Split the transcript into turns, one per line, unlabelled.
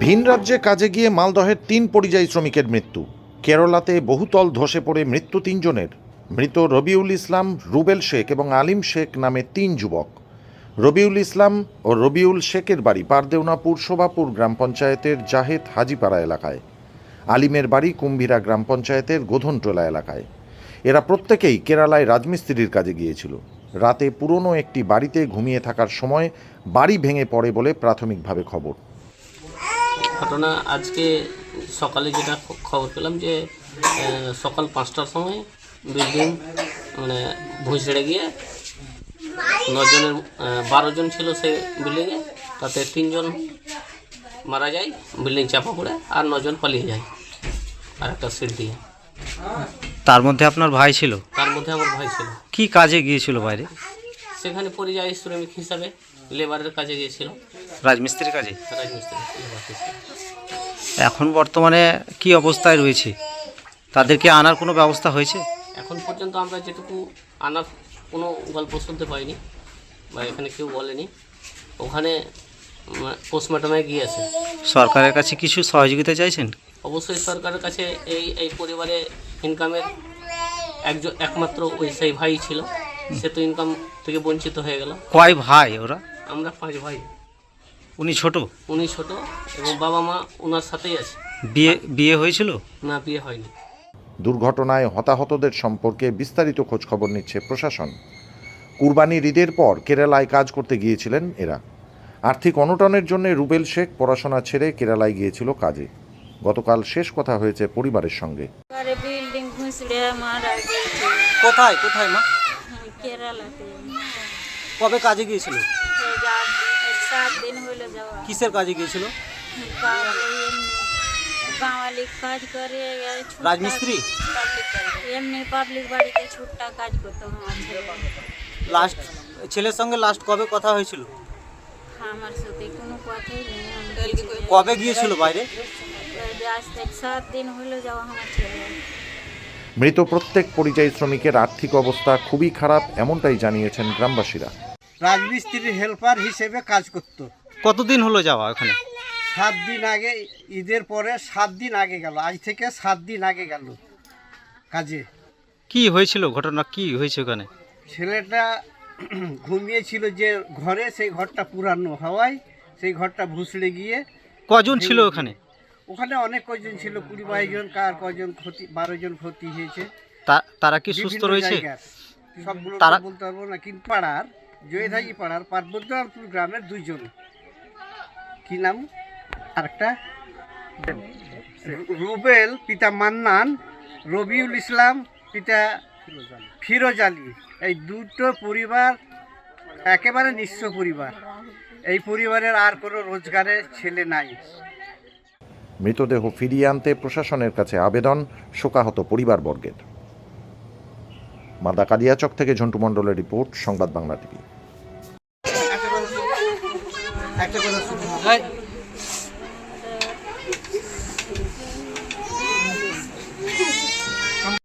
ভিন রাজ্যে কাজে গিয়ে মালদহের ৩ পরিযায়ী শ্রমিকের মৃত্যু। কেরালাতে বহুতল ধসে পড়ে মৃত্যু ৩ জনের। মৃত রবিউল ইসলাম, রুবেল শেখ এবং আলিম শেখ নামে ৩ যুবক। রবিউল ইসলাম ও রবিউল শেখের বাড়ি পারদেওনাপুর শোভাপুর গ্রাম পঞ্চায়েতের জাহেদ হাজিপাড়া এলাকায়। আলিমের বাড়ি কুম্ভীরা গ্রাম পঞ্চায়েতের গোধনটোলা এলাকায়। এরা প্রত্যেকেই কেরালায় রাজমিস্ত্রির কাজে গিয়েছিল। রাতে পুরনো একটি বাড়িতে ঘুমিয়ে থাকার সময় বাড়ি ভেঙে পড়ে বলে প্রাথমিকভাবে খবর।
ঘটনা আজকে সকালে যেটা খবর পেলাম যে সকাল 5টার সময় বিল্ডিং ভুঁসড়ে গিয়ে 12 জন ছিল সে বিল্ডিংয়ে, তাতে 3 জন মারা যায়, বিল্ডিং চাপা পড়ে, আর 9 জন পালিয়ে যায় আর একটা সিট দিয়ে।
তার মধ্যে আপনার ভাই ছিল?
তার মধ্যে আমার ভাই ছিল।
কি কাজে গিয়েছিল বাইরে?
সেখানে পরিযায়ী শ্রমিক হিসাবে লেবারের কাজে গিয়েছিল।
রাজমিস্ত্রির কাজে?
রাজমিস্ত্রি লেবার হিসেবে।
এখন বর্তমানে কি অবস্থায় রয়েছে? তাদেরকে আনার কোনো ব্যবস্থা হয়েছে?
এখন পর্যন্ত আমরা যেটুকু আনার কোনো গল্প শুনতে পাইনি বা এখানে কেউ বলেনি। ওখানে পোস্টমর্টমে গিয়েছে।
সরকারের কাছে কিছু সহযোগিতা চাইছেন?
অবশ্যই সরকারের কাছে এই পরিবারে ইনকামের একমাত্র ওই সেই ভাই ছিল, সে তো ইনকাম থেকে বঞ্চিত হয়ে গেল।
কয় ভাই ওরা?
আমরা 5 ভাই।
উনি ছোট
এবং বাবা মা ওনার সাথেই আছে।
বিয়ে হয়েছিল?
না, বিয়ে হয়নি।
দুর্ঘটনায় হতাহতদের সম্পর্কে বিস্তারিত খোঁজখবর নিচ্ছে প্রশাসন। কুরবানির ঈদের পর কেরালায় কাজ করতে গিয়েছিলেন এরা। আর্থিক অনটনের জন্য রুবেল শেখ পড়াশোনা ছেড়ে কেরালায় গিয়েছিল কাজে। গতকাল শেষ কথা হয়েছে পরিবারের সঙ্গে।
বিল্ডিং ভুঁসড়ে মারা গেছে।
কোথায় কোথায় মা?
কেরালাতে।
কবে কাজে গিয়েছিল?
7 দিন হলো যাওয়া।
কিসের কাজে গিয়েছিল?
গাঁওয়ালি কাজ করে।
রাজমিস্ত্রি?
এমনি পাবলিক বাড়িতে ছুট্টা কাজ করতো আমার ছেলে।
ছেলের সঙ্গে লাস্ট কবে কথা হয়েছিল?
আমার সাথে কোনো কথাই নেই।
কবে গিয়েছিল বাইরে?
আজ থেকে 7 দিন হলো যাওয়া আমার ছেলে।
মৃত প্রত্যেক পরিযায়ী শ্রমিকের আর্থিক অবস্থা খুবই খারাপ, এমনটাই জানিয়েছেন গ্রামবাসীরা।
রাজমিস্ত্রির হেল্পার হিসেবে কাজ করত।
কতদিন হলো যাওয়া ওখানে?
7 দিন আগে, ঈদের পরে 7 দিন আগে গেল। আজ থেকে 7 দিন আগে গেল কাজে।
কি হয়েছিল, ঘটনা কি হয়েছে ওখানে?
ছেলেটা ঘুমিয়েছিল যে ঘরে, সেই ঘরটা পুরানো হওয়ায় সেই ঘরটা ভুসড়ে গিয়ে।
কজন ছিল ওখানে?
ওখানে অনেক কজন ছিল, 20-22 জন, কার কজন ক্ষতি, 12 জন ক্ষতি হয়েছে।
তারা কি সুস্থ রয়েছে?
সবগুলো বলতে পারবো না, কিন্তু পাড়ার জয়ধাগি পাড়ার পার্বত্যপুর গ্রামের 2 জন। কি নাম আরেকটা? রুবেল পিতা মান্নান, রবিউল ইসলাম পিতা ফিরোজ আলী। এই 2টো পরিবার একেবারে নিঃস্ব পরিবার। এই পরিবারের আর কোনো রোজগারের ছেলে নাই।
মৃতদেহ ফিরিয়ে আনতে প্রশাসনের কাছে আবেদন শোকাহত পরিবারবর্গের। মালদা কালিয়াচক থেকে ঝন্টু মণ্ডলের রিপোর্ট, সংবাদ বাংলা টিভি।